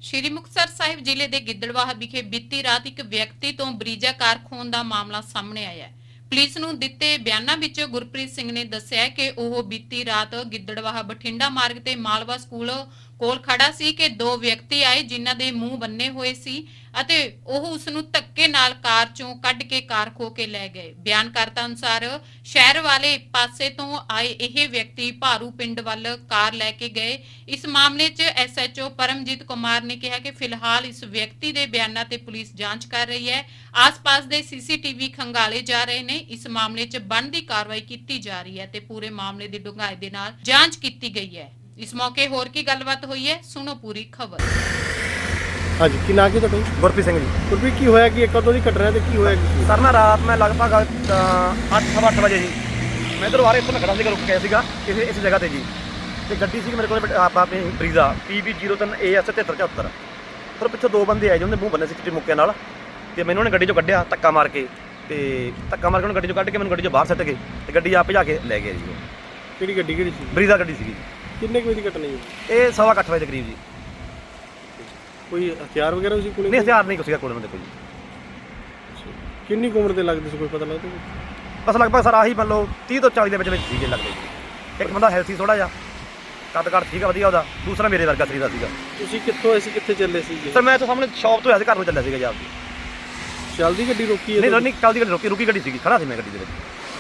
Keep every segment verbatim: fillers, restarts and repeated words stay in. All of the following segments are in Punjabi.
ਸ਼੍ਰੀ ਮੁਕਤਸਰ ਸਾਹਿਬ ਜ਼ਿਲ੍ਹੇ ਦੇ ਗਿੱਦੜਵਾਹਾ ਵਿਖੇ ਬੀਤੀ ਰਾਤ ਇੱਕ ਵਿਅਕਤੀ ਤੋਂ ਬਰੀਜਾ ਕਾਰ ਖੋਹਣ ਦਾ ਮਾਮਲਾ ਸਾਹਮਣੇ ਆਇਆ ਹੈ। ਪੁਲਿਸ ਨੂੰ ਦਿੱਤੇ ਬਿਆਨਾਂ ਵਿੱਚ ਗੁਰਪ੍ਰੀਤ ਸਿੰਘ ਨੇ ਦੱਸਿਆ ਕਿ ਉਹ ਬੀਤੀ ਰਾਤ ਗਿੱਦੜਵਾਹਾ ਬਠਿੰਡਾ ਮਾਰਗ ਤੇ ਮਾਲਵਾ ਸਕੂਲ ਕੋਲ ਖੜਾ ਸੀ ਕਿ ਦੋ ਵਿਅਕਤੀ ਆਏ ਜਿਨ੍ਹਾਂ ਦੇ ਮੂੰਹ ਬੰਨੇ ਹੋਏ ਸੀ ਅਤੇ ਉਹ ਉਸ ਨੂੰ ਧੱਕੇ ਨਾਲ ਕਾਰ ਚੋਂ ਕੱਢ ਕੇ ਕਾਰ ਖੋਹ ਕੇ ਲੈ ਗਏ। ਬਿਆਨਕਰਤਾ ਅਨੁਸਾਰ ਸ਼ਹਿਰ ਵਾਲੇ ਪਾਸੇ ਤੋਂ ਆਏ ਇਹ ਵਿਅਕਤੀ ਭਾਰੂ ਪਿੰਡ ਵੱਲ ਕਾਰ ਲੈ ਕੇ ਗਏ। ਇਸ ਮਾਮਲੇ 'ਚ S H O Paramjit Kumar ਨੇ ਕਿਹਾ ਕਿ ਫਿਲਹਾਲ ਇਸ ਵਿਅਕਤੀ ਦੇ ਬਿਆਨਾਂ ਤੇ ਪੁਲਿਸ ਜਾਂਚ ਕਰ ਰਹੀ ਹੈ। ਆਸ-ਪਾਸ ਦੇ ਸੀ ਸੀ ਟੀ ਵੀ ਖੰਗਾਲੇ ਜਾ ਰਹੇ ਨੇ। ਇਸ ਮਾਮਲੇ 'ਚ ਬਣਦੀ ਕਾਰਵਾਈ ਕੀਤੀ ਜਾ ਰਹੀ ਹੈ ਤੇ ਪੂਰੇ ਮਾਮਲੇ ਦੀ ਡੂੰਘਾਈ ਦੇ ਨਾਲ ਜਾਂਚ ਕੀਤੀ ਗਈ ਹੈ। ਇਸ ਮੌਕੇ ਹੋਰ ਕੀ ਗੱਲਬਾਤ ਹੋਈ ਹੈ, ਸੁਣੋ ਪੂਰੀ ਖਬਰ। ਹਾਂਜੀ, ਕੀ ਨਾਂ ਕੀ ਤੁਹਾਡਾ? ਗੁਰਪ੍ਰੀਤ ਸਿੰਘ ਜੀ। ਗੁਰਪ੍ਰੀਤ, ਕੀ ਹੋਇਆ ਕਿ ਕਦੋਂ ਦੀ ਘਟਨਾ ਤੇ ਕੀ ਹੋਇਆ ਕੀ? ਸਰ ਨਾ ਰਾਤ ਮੈਂ ਲਗਭਗ ਅੱਠ ਸਵਾ ਅੱਠ ਵਜੇ ਜੀ ਮੈਂ ਇੱਧਰੋਂ ਆ ਰਿਹਾ, ਇੱਥੋਂ ਮੈਂ ਖੜਾ ਸੀਗਾ, ਰੁਕ ਗਿਆ ਸੀਗਾ ਕਿਸੇ ਇਸ ਜਗ੍ਹਾ ਤੇ ਜੀ। ਤੇ ਗੱਡੀ ਸੀ ਮੇਰੇ ਕੋਲ ਆਪਾਂ ਆਪਣੀ ਬਰੀਜ਼ਾ ਪੀ ਬੀ ਜ਼ੀਰੋ ਤਿੰਨ ਏ ਐਸ ਤਿਹੱਤਰ ਚੁਹੱਤਰ। ਫਿਰ ਪਿੱਛੋਂ ਦੋ ਬੰਦੇ ਆਏ ਜਿਹਨਾਂ ਦੇ ਮੂੰਹ ਬੰਨੇ ਸੀ ਚਿੱਟੇ ਮੁੱਕਿਆਂ ਨਾਲ, ਤੇ ਮੈਨੂੰ ਉਹਨੇ ਗੱਡੀ 'ਚੋਂ ਕੱਢਿਆ ਧੱਕਾ ਮਾਰ ਕੇ, ਤੇ ਧੱਕਾ ਮਾਰ ਕੇ ਉਹਨੂੰ ਗੱਡੀ 'ਚੋਂ ਕੱਢ ਕੇ ਮੈਨੂੰ ਗੱਡੀ 'ਚੋਂ ਬਾਹਰ ਸੁੱਟ ਗਏ ਤੇ ਗੱਡੀ ਆਪ ਭਜਾ ਕੇ ਲੈ ਗਏ ਜੀ। ਕਿਹੜੀ ਗੱਡੀ ਕਿਹੜੀ ਸੀ? ਬਰੀਜ਼ਾ ਗੱਡੀ ਸੀਗੀ। ਕਿੰਨੇ ਕੁ ਵਜੇ ਦੀ ਘਟਨਾ ਜੀ? ਇਹ ਸਵਾ ਕੁ ਅੱਠ ਵਜੇ ਦੇ ਕਰੀਬ ਜੀ। ਕੋਈ ਹਥਿਆਰ ਵਗੈਰਾ ਵੀ ਸੀ ਕੋਲੇ? ਨਹੀਂ, ਹਥਿਆਰ ਨਹੀਂ ਕੁਛ ਸੀਗਾ ਕੋਲ ਮੇਰੇ ਕੋਲ ਜੀ। ਕਿੰਨੀ ਕੁ ਉਮਰ ਦੇ ਲੱਗਦੇ ਸੀ, ਕੋਈ ਪਤਾ ਲੱਗਦਾ? ਬਸ ਲਗਭਗ ਸਰ ਆਹੀ ਮੰਨ ਲਓ ਤੀਹ ਤੋਂ ਚਾਲੀ ਦੇ ਵਿੱਚ ਵਿੱਚ ਸੀਗੇ ਲੱਗਦੇ ਜੀ। ਇੱਕ ਬੰਦਾ ਹੈਲਥੀ ਥੋੜਾ ਜਿਹਾ, ਕੱਦ ਕੱਦ ਠੀਕ ਆ ਵਧੀਆ ਉਹਦਾ, ਦੂਸਰਾ ਮੇਰੇ ਵਰਗਾ ਸਰੀਰ ਦਾ ਸੀਗਾ। ਤੁਸੀਂ ਕਿੱਥੋਂ ਆਏ ਸੀ, ਕਿੱਥੇ ਚੱਲੇ ਸੀ? ਸਰ ਮੈਂ ਤਾਂ ਸਾਹਮਣੇ ਸ਼ਾਪ ਤੋਂ ਆਇਆ ਸੀ, ਘਰ ਨੂੰ ਚੱਲਿਆ ਸੀਗਾ ਜੀ ਆਪਦੀ। ਚੱਲਦੀ ਗੱਡੀ ਰੋਕੀ ਹੈ? ਨਹੀਂ ਨਹੀਂ, ਚੱਲਦੀ ਗੱਡੀ ਰੁਕੀ ਰੁਕੀ ਗੱਡੀ ਸੀਗੀ, ਖੜਾ ਸੀ ਮੈਂ ਗੱਡੀ ਦੇ ਵਿੱਚ।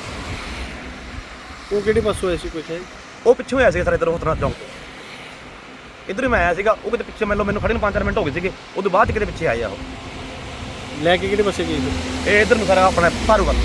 ਉਹ ਕਿਹੜੇ ਪਾਸੋਂ ਆਏ ਸੀ, ਕੋਈ ਹੈ? ਉਹ ਪਿੱਛੋਂ ਆਇਆ ਸੀਗਾ ਸਰ, ਇੱਧਰ ਹੋਤਨਾ ਚੌਂਕ ਤੋਂ ਇੱਧਰ ਹੀ ਮੈਂ ਆਇਆ ਸੀਗਾ। ਉਹ ਕਿਤੇ ਪਿੱਛੇ ਮੈਨੂੰ ਮੈਨੂੰ ਖੜੇ ਨੂੰ ਪੰਜ ਚਾਰ ਮਿੰਟ ਹੋ ਗਏ ਸੀਗੇ, ਉਦੋਂ ਬਾਅਦ 'ਚ ਕਿਤੇ ਪਿੱਛੇ ਆਏ ਆ ਉਹ। ਲੈ ਕੇ ਕਿਹੜੇ ਪਾਸੇ ਗਏ ਸੀ? ਇਹ ਇੱਧਰ ਨੂੰ ਸਾਰਾ ਆਪਣਾ ਭਾਰੂ ਵੱਲ।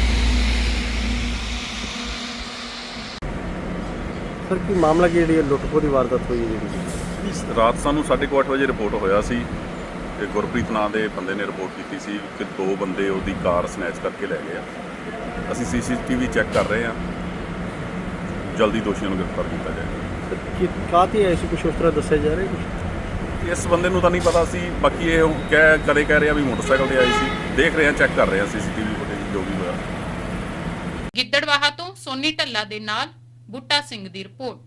ਸਰ, ਕੀ ਮਾਮਲਾ ਕੀ ਜਿਹੜੀ ਲੁੱਟ-ਖੋਹ ਦੀ ਵਾਰਦਾਤ ਹੋਈ ਹੈ ਜਿਹੜੀ? ਰਾਤ ਸਾਨੂੰ ਸਾਢੇ ਕੁ ਅੱਠ ਵਜੇ ਰਿਪੋਰਟ ਹੋਇਆ ਸੀ ਕਿ ਗੁਰਪ੍ਰੀਤ ਨਾਂ ਦੇ ਬੰਦੇ ਨੇ ਰਿਪੋਰਟ ਕੀਤੀ ਸੀ ਕਿ ਦੋ ਬੰਦੇ ਉਹਦੀ ਕਾਰ ਸਨੈਚ ਕਰਕੇ ਲੈ ਗਏ ਆ। ਅਸੀਂ ਸੀ ਸੀ ਟੀ ਵੀ ਚੈੱਕ ਕਰ ਰਹੇ ਹਾਂ, ਜਲਦੀ ਦੋਸ਼ੀਆਂ ਨੂੰ ਗ੍ਰਿਫਤਾਰ ਕੀਤਾ ਜਾਏਗਾ। ਕਿ ਕਾਹਤੇ ਆਏ ਸੀ, ਕੁਛ ਉਸ ਤਰ੍ਹਾਂ ਦੱਸਿਆ ਜਾ ਰਿਹਾ ਕੁਛ? ਇਸ ਬੰਦੇ ਨੂੰ ਤਾਂ ਨਹੀਂ ਪਤਾ ਸੀ, ਬਾਕੀ ਇਹ ਕਹਿ ਕਰੇ ਕਹਿ ਰਿਹਾ ਵੀ ਮੋਟਰਸਾਈਕਲ ਤੇ ਆਈ ਸੀ। ਦੇਖ ਰਹੇ ਹਾਂ, ਚੈੱਕ ਕਰ ਰਹੇ ਹਾਂ ਸੀ ਸੀ ਟੀ ਵੀ ਫੁਟੇਜ ਜੋ ਵੀ ਹੋਇਆ। ਗਿੱਦੜਵਾਹਾ ਤੋਂ ਸੋਨੀ ਢੱਲਾ ਦੇ ਨਾਲ ਬੁੱਟਾ ਸਿੰਘ ਦੀ ਰਿਪੋਰਟ।